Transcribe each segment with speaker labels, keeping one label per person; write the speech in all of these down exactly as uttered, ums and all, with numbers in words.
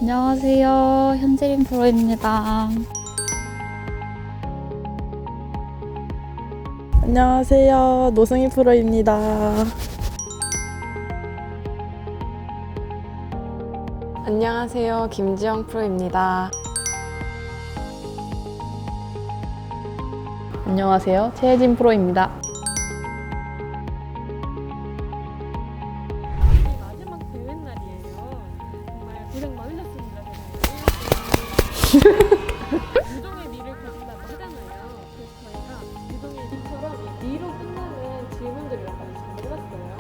Speaker 1: 안녕하세요. 현재림 프로입니다.
Speaker 2: 안녕하세요. 노승희 프로입니다.
Speaker 3: 안녕하세요. 김지영 프로입니다.
Speaker 4: 안녕하세요. 최혜진 프로입니다.
Speaker 5: 마지막 대회 날이에요. 정말 고생 많으셨습니다. 유동의 미를 가진다고 하잖아요. 그래서 저희가 유동의 미처럼 이 미로 끝나는 질문들을 약간 준비해봤어요.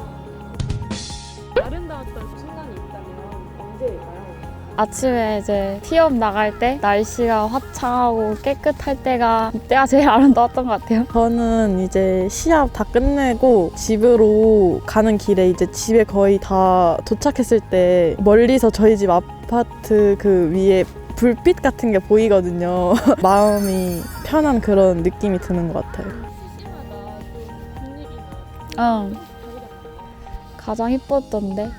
Speaker 5: 아름다웠던 순간이 있다면 언제일까요?
Speaker 1: 아침에 이제 티업 나갈 때 날씨가 화창하고 깨끗할 때가 이때가 제일 아름다웠던 것 같아요.
Speaker 2: 저는 이제 시합 다 끝내고 집으로 가는 길에 이제 집에 거의 다 도착했을 때 멀리서 저희 집 아파트 그 위에 불빛 같은 게 보이거든요. 마음이 편한 그런 느낌이 드는 것 같아요.
Speaker 5: 시시마다 좀 분위기나
Speaker 1: 응.
Speaker 5: 다르잖아요.
Speaker 1: 가장 이뻤던데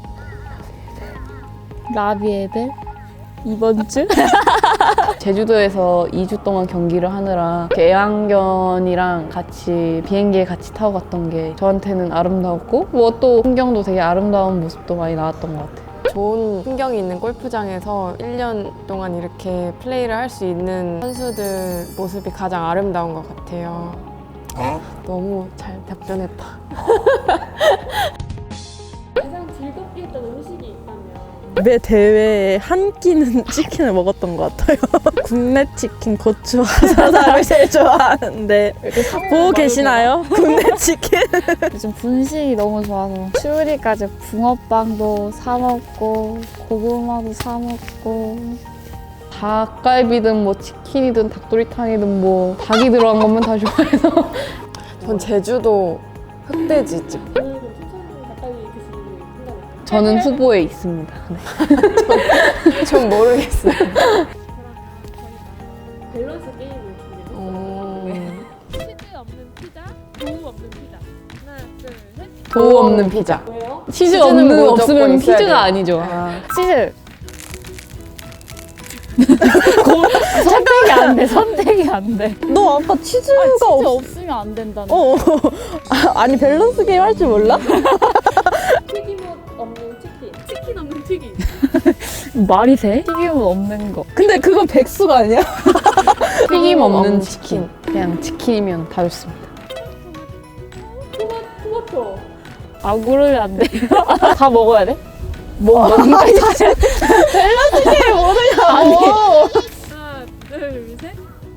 Speaker 1: 라비에벨 이번 주?
Speaker 4: 제주도에서 이 주 동안 경기를 하느라 애완견이랑 같이 비행기에 같이 타고 갔던 게 저한테는 아름다웠고 뭐 또 풍경도 되게 아름다운 모습도 많이 나왔던 것 같아요.
Speaker 3: 좋은 풍경이 있는 골프장에서 일 년 동안 이렇게 플레이를 할 수 있는 선수들 모습이 가장 아름다운 것 같아요. 너무 잘 답변했다.
Speaker 5: 가장 즐겁게 했던 음식이 있다면
Speaker 2: 매 대회에 한 끼는 치킨을 먹었던 것 같아요. 국내 치킨, 고추 화사를 제일 좋아하는데 보고 계시나요? 국내 치킨?
Speaker 1: 요즘 분식이 너무 좋아서 추우리까지 붕어빵도 사 먹고 고구마도 사 먹고
Speaker 4: 닭갈비든 뭐 치킨이든 닭도리탕이든 뭐 닭이 들어간 것만 다 좋아해서
Speaker 3: 전 제주도 흑돼지집.
Speaker 5: 오늘 좀 추천 가까이 드실 생각이
Speaker 4: 저는 후보에 있습니다. 네.
Speaker 3: 전 모르겠어요.
Speaker 5: 그러면 저희가 밸런스 게임을 준비했어요.
Speaker 3: 음,
Speaker 5: 치즈 없는 피자, 도우 없는 피자. 하나, 둘, 셋.
Speaker 4: 도우 없는 피자.
Speaker 5: 왜요?
Speaker 4: 치즈
Speaker 3: 치즈는
Speaker 4: 없는
Speaker 3: 무조건
Speaker 4: 없으면
Speaker 3: 있어야
Speaker 4: 피자가
Speaker 3: 돼요.
Speaker 4: 아니죠.
Speaker 3: 아,
Speaker 1: 치즈! 선택이 안 돼, 선택이 안 돼.
Speaker 2: 너 아까 치즈가
Speaker 1: 아, 치즈
Speaker 2: 없...
Speaker 1: 없으면 안 된다는.
Speaker 2: 어. 아, 아니 밸런스 게임 할 줄 몰라?
Speaker 5: 튀김옷 없는 치킨. 치킨 없는 튀김.
Speaker 1: 말이 돼? 튀김은 없는 거.
Speaker 2: 근데 그건 백수가 아니야?
Speaker 4: 튀김 없는
Speaker 3: 없는
Speaker 4: 치킨. 그냥 치킨이면 다 좋습니다.
Speaker 5: 토마, 토마토.
Speaker 1: 안 고르면 안 돼. 다 먹어야 돼?
Speaker 2: 뭐 먹는 거 있지? 밸런스 게임 모르냐고.
Speaker 5: 하나, 둘, 셋.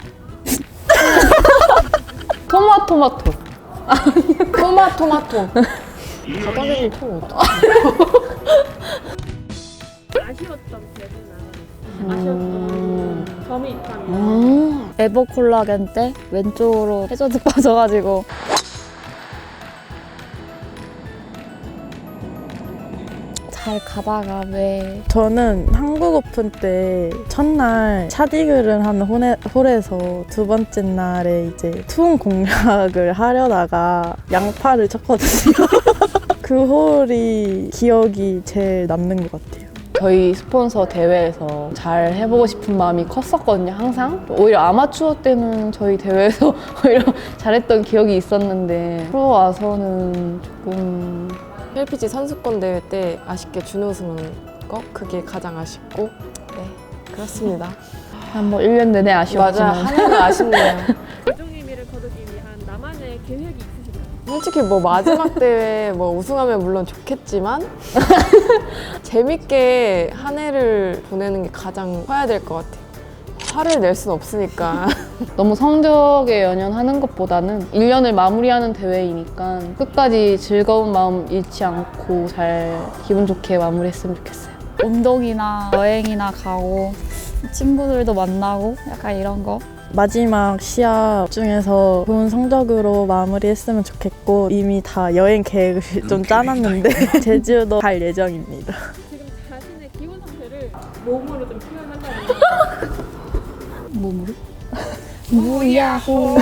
Speaker 4: 토마토마토.
Speaker 3: 토마토마토. 바닥에 토 어떡해.
Speaker 5: 아쉬웠던 기억이나 아쉬웠던 점이 있다면
Speaker 4: 음.
Speaker 1: 에버콜라겐 때 왼쪽으로 해저드 빠져가지고 잘 가다가 왜
Speaker 2: 저는 한국 오픈 때 첫날 샷이글을 하는 홀에, 홀에서 두 번째 날에 이제 투혼 공략을 하려다가 양파를 쳤거든요. 그 홀이 기억이 제일 남는 것 같아요.
Speaker 4: 저희 스폰서 대회에서 잘 해보고 싶은 마음이 컸었거든요, 항상. 오히려 아마추어 때는 저희 대회에서 오히려 잘했던 기억이 있었는데 프로 와서는 조금
Speaker 3: 케이피지 선수권 대회 때 아쉽게 준우승한 거 그게 가장 아쉽고 네 그렇습니다.
Speaker 4: 한 뭐 일 년 내내
Speaker 3: 맞아
Speaker 4: 아쉬웠지만
Speaker 3: 한 해는 아쉽네요.
Speaker 5: 최종 의미를 거두기 위한 나만의 계획이 있으신가요?
Speaker 3: 솔직히 뭐 마지막 대회 뭐 우승하면 물론 좋겠지만 재밌게 한 해를 보내는 게 가장 커야 될 것 같아요. 화를 낼 순 없으니까.
Speaker 4: 너무 성적에 연연하는 것보다는 일 년을 마무리하는 대회이니까 끝까지 즐거운 마음 잃지 않고 잘 기분 좋게 마무리했으면 좋겠어요.
Speaker 1: 운동이나 여행이나 가고 친구들도 만나고 약간 이런 거.
Speaker 2: 마지막 시합 중에서 좋은 성적으로 마무리했으면 좋겠고 이미 다 여행 계획을 좀 짜놨는데 제주도 갈 예정입니다.
Speaker 5: 지금 자신의 기분 상태를 몸으로 좀 표현한다면
Speaker 1: 몸으로? 무야호.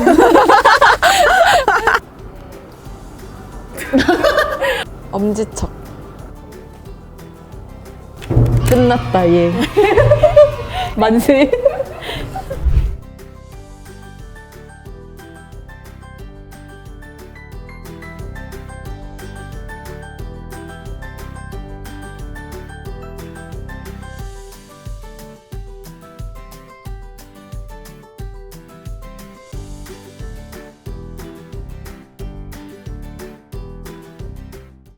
Speaker 3: 엄지척.
Speaker 4: 끝났다 얘. 만세.